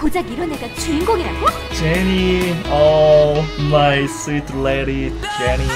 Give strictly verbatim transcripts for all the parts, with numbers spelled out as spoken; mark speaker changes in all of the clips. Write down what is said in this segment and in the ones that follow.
Speaker 1: 고작 이런 애가 주인공이라고?
Speaker 2: 제니, oh my sweet lady, 제니.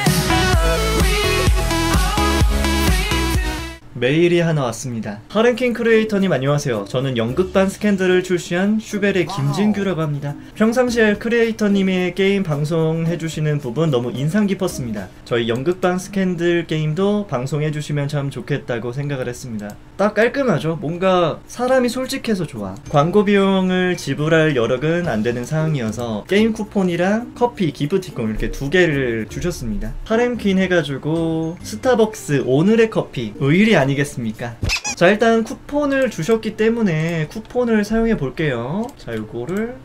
Speaker 2: 메일이 하나 왔습니다. 하렌킹 크리에이터님 안녕하세요. 저는 연극반 스캔들을 출시한 슈벨의 김진규라고 합니다. 평상시에 크리에이터님의 게임 방송해주시는 부분 너무 인상 깊었습니다. 저희 연극반 스캔들 게임도 방송해주시면 참 좋겠다고 생각을 했습니다. 딱 깔끔하죠? 뭔가 사람이 솔직해서 좋아. 광고 비용을 지불할 여력은 안되는 상황이어서 게임 쿠폰이랑 커피, 기프티콘 이렇게 두 개를 주셨습니다. 하렘퀸 해가지고 스타벅스 오늘의 커피 의리 아니겠습니까? 자, 일단 쿠폰을 주셨기 때문에 쿠폰을 사용해 볼게요. 자, 요거를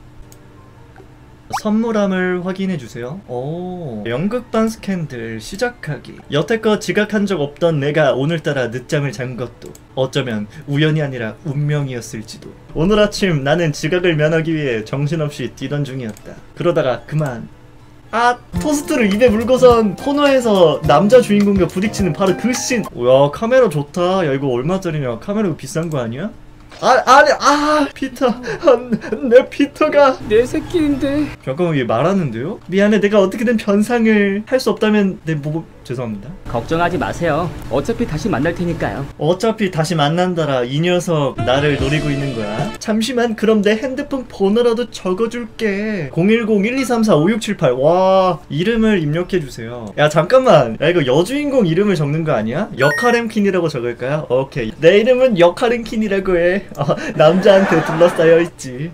Speaker 2: 선물함을 확인해주세요. 오, 연극반 스캔들 시작하기. 여태껏 지각한 적 없던 내가 오늘따라 늦잠을 잔 것도 어쩌면 우연이 아니라 운명이었을지도. 오늘 아침 나는 지각을 면하기 위해 정신없이 뛰던 중이었다. 그러다가 그만. 아, 토스트를 입에 물고선 코너에서 남자 주인공과 부딪히는 바로 그 씬. 야, 카메라 좋다. 야, 이거 얼마짜리냐? 카메라가 비싼 거 아니야? 아, 아니, 아, 피터. 아, 내 피터가
Speaker 3: 내 새끼인데.
Speaker 2: 잠깐만, 얘 말하는데요? 미안해, 내가 어떻게든 변상을 할 수 없다면 내 뭐... 죄송합니다.
Speaker 3: 걱정하지 마세요. 어차피 다시 만날 테니까요.
Speaker 2: 어차피 다시 만난다라. 이 녀석 나를 노리고 있는 거야. 잠시만, 그럼 내 핸드폰 번호라도 적어줄게. 공일공 일이삼사 오육칠팔. 와, 이름을 입력해주세요. 야, 잠깐만. 야, 이거 여주인공 이름을 적는 거 아니야? 역하렘킨이라고 적을까요? 오케이. 내 이름은 역하렘킨이라고 해. 어, 남자한테 둘러싸여 있지.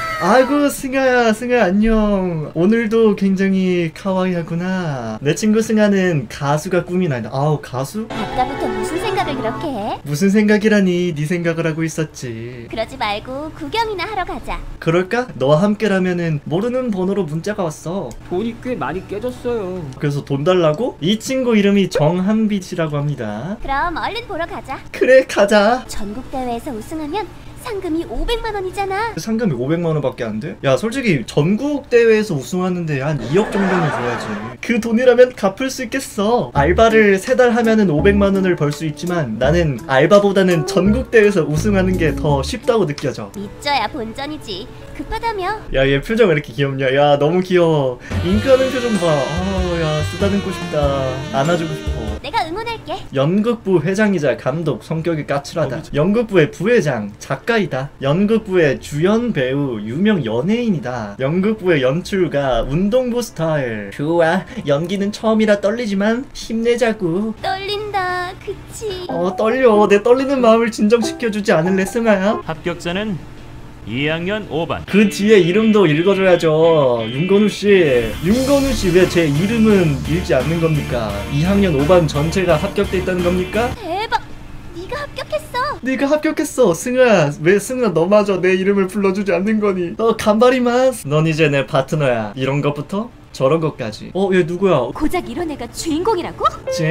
Speaker 2: 아이고, 승아야, 승아 안녕. 오늘도 굉장히 카와이하구나. 내 친구 승아는 가수가 꿈이 난다. 아우, 가수?
Speaker 1: 아까부터 무슨 생각을 그렇게 해?
Speaker 2: 무슨 생각이라니. 네 생각을 하고 있었지.
Speaker 1: 그러지 말고 구경이나 하러 가자.
Speaker 2: 그럴까? 너와 함께라면은 모르는 번호로 문자가 왔어.
Speaker 3: 돈이 꽤 많이 깨졌어요.
Speaker 2: 그래서 돈 달라고? 이 친구 이름이 정한빛이라고 합니다.
Speaker 1: 그럼 얼른 보러 가자.
Speaker 2: 그래, 가자.
Speaker 1: 전국대회에서 우승하면 상금이 오백만 원이잖아.
Speaker 2: 상금이 오백만 원밖에 안 돼? 야, 솔직히 전국 대회에서 우승하는데 한 이억 정도는 줘야지. 그 돈이라면 갚을 수 있겠어. 알바를 세 달 하면은 오백만 원을 벌 수 있지만 나는 알바보다는 전국 대회에서 우승하는 게 더 쉽다고 느껴져.
Speaker 1: 믿져야 본전이지. 급하다며.
Speaker 2: 야, 얘 표정 왜 이렇게 귀엽냐? 야, 너무 귀여워. 잉크하는 표정 봐. 아, 야, 쓰다듬고 싶다. 안아주고 싶어.
Speaker 1: 내가 응원할게.
Speaker 2: 연극부 회장이자 감독, 성격이 까칠하다. 연극부의 부회장, 작가이다. 연극부의 주연 배우, 유명 연예인이다. 연극부의 연출가, 운동부 스타일. 좋아, 연기는 처음이라 떨리지만 힘내자구.
Speaker 1: 떨린다, 그치?
Speaker 2: 어, 떨려. 내 떨리는 마음을 진정시켜주지 않을래, 승아야?
Speaker 4: 합격자는 이 학년 오 반.
Speaker 2: 그 뒤에 이름도 읽어줘야죠. 윤건우씨. 윤건우씨 왜 제 이름은 읽지 않는 겁니까? 이 학년 오 반 전체가 합격돼 있다는 겁니까?
Speaker 1: 대박! 네가 합격했어.
Speaker 2: 네가 합격했어. 승아, 왜 승아 너마저 내 이름을 불러주지 않는 거니? 너 간발이마스. 넌 이제 내 파트너야. 이런 것부터 저런 것까지. 어, 얘 누구야?
Speaker 1: 고작 이런 애가 주인공이라고?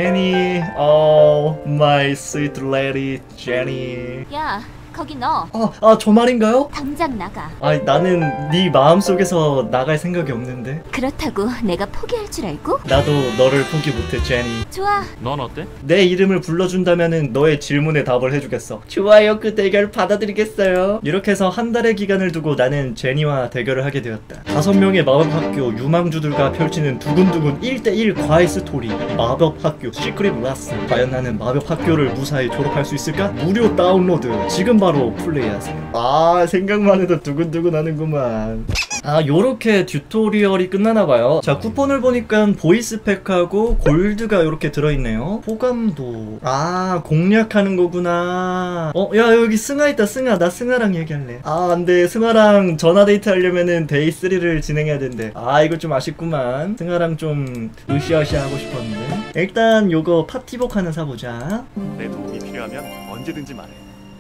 Speaker 2: 제니. Oh my sweet lady, 제니.
Speaker 1: 야, 거기 너.
Speaker 2: 아, 아, 저 말인가요?
Speaker 1: 당장 나가.
Speaker 2: 아니, 나는 네 마음속에서 나갈 생각이 없는데.
Speaker 1: 그렇다고 내가 포기할 줄 알고?
Speaker 2: 나도 너를 포기 못해, 제니.
Speaker 1: 좋아.
Speaker 4: 넌 어때?
Speaker 2: 내 이름을 불러준다면은 너의 질문에 답을 해주겠어. 좋아요, 그 대결 받아들이겠어요. 이렇게 해서 한 달의 기간을 두고 나는 제니와 대결을 하게 되었다. 다섯 명의 마법학교 유망주들과 펼치는 두근두근 일 대 일 과외 스토리. 마법학교 시크릿 라스. 과연 나는 마법학교를 무사히 졸업할 수 있을까? 무료 다운로드 지금 바로 플레이하세요. 아, 생각만 해도 두근두근 하는구만. 아, 요렇게 튜토리얼이 끝나나봐요. 자, 쿠폰을 보니까 보이스팩하고 골드가 요렇게 들어있네요. 호감도. 아, 공략하는 거구나. 어, 야, 여기 승아 있다. 승아. 나 승아랑 얘기할래. 아, 안돼. 승아랑 전화데이트 하려면은 데이 쓰리를 진행해야 된대. 아, 이거 좀 아쉽구만. 승아랑 좀 으쌰으쌰 하고 싶었는데. 일단 요거 파티복 하나 사보자.
Speaker 5: 내 도움이 필요하면 언제든지 말해.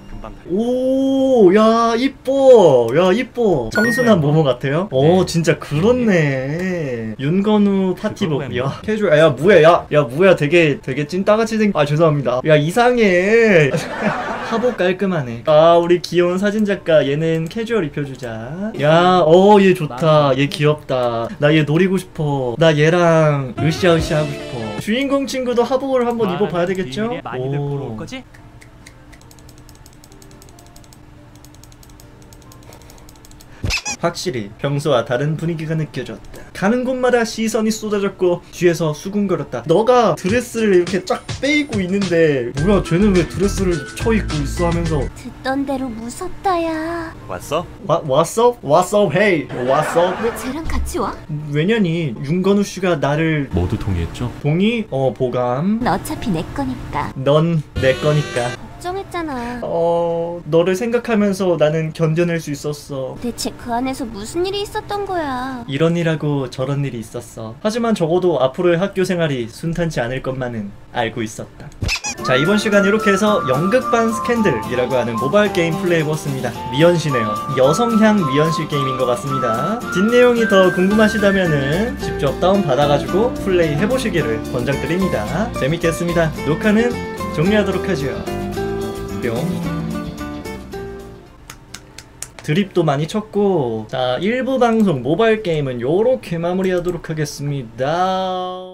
Speaker 2: 오, 야, 이뻐. 야, 이뻐. 청순한 모모 같아요? 오, 진짜 그렇네. 윤건우 파티복. 야, 캐주얼. 야, 뭐야, 야, 야, 뭐야, 되게, 되게 찐따같이 생, 아, 죄송합니다. 야, 이상해. 하복 깔끔하네. 아, 우리 귀여운 사진작가. 얘는 캐주얼 입혀주자. 야, 어, 얘 좋다. 얘 귀엽다. 나 얘 노리고 싶어. 나 얘랑 으쌰으쌰 하고 싶어. 주인공 친구도 하복을 한번 입어봐야 되겠죠? 오. 확실히 평소와 다른 분위기가 느껴졌다. 가는 곳마다 시선이 쏟아졌고 뒤에서 수군거렸다. 너가 드레스를 이렇게 쫙 빼입고 있는데 뭐야 쟤는 왜 드레스를 쳐입고 있어 하면서
Speaker 1: 듣던 대로 무섭다야.
Speaker 5: 왔어?
Speaker 2: 와, 왔어? 왔어? 헤이 왔어?
Speaker 1: 왜 쟤랑 같이 와?
Speaker 2: 왜냐니 윤건우 씨가 나를
Speaker 4: 모두 동의했죠?
Speaker 2: 동의? 어 보감.
Speaker 1: 너 어차피 내 거니까.
Speaker 2: 넌 내 거니까.
Speaker 1: 걱정했잖아.
Speaker 2: 어 너를 생각하면서 나는 견뎌낼 수 있었어.
Speaker 1: 대체 그 안에서 무슨 일이 있었던 거야?
Speaker 2: 이런 일하고 저런 일이 있었어. 하지만 적어도 앞으로의 학교 생활이 순탄치 않을 것만은 알고 있었다. 자 이번 시간 이렇게 해서 연극반 스캔들이라고 하는 모바일 게임 플레이해보았습니다. 미연시네요. 여성향 미연시 게임인 것 같습니다. 뒷내용이 더 궁금하시다면은 직접 다운받아가지고 플레이 해보시기를 권장드립니다. 재밌겠습니다. 녹화는 종료하도록 하죠. 뿅. 드립도 많이 쳤고 자 일 부 방송 모바일 게임은 요렇게 마무리하도록 하겠습니다.